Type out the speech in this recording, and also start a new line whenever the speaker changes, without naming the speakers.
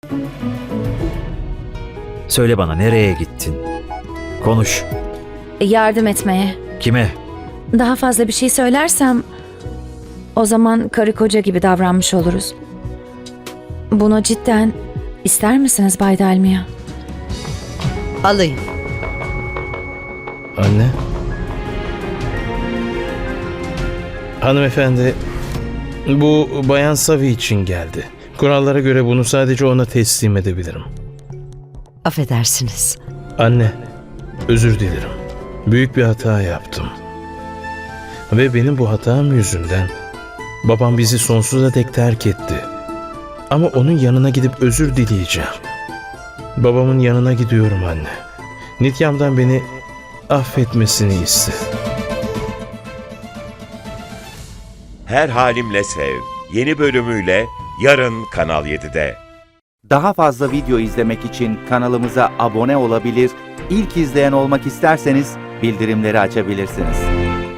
Söyle bana, nereye gittin? Konuş.
Yardım etmeye.
Kime?
Daha fazla bir şey söylersem o zaman karı koca gibi davranmış oluruz. Bunu cidden ister misiniz Bay Dalmia?
Alayım.
Anne. Hanımefendi, bu Bayan Savi için geldi. Kurallara göre bunu sadece ona teslim edebilirim.
Affedersiniz.
Anne, özür dilerim. Büyük bir hata yaptım. Ve benim bu hatam yüzünden babam bizi sonsuza dek terk etti. Ama onun yanına gidip özür dileyeceğim. Babamın yanına gidiyorum anne. Nityam'dan beni affetmesini iste.
Her Halimle Sev yeni bölümüyle yarın Kanal 7'de.
Daha fazla video izlemek için kanalımıza abone olabilir, ilk izleyen olmak isterseniz bildirimleri açabilirsiniz.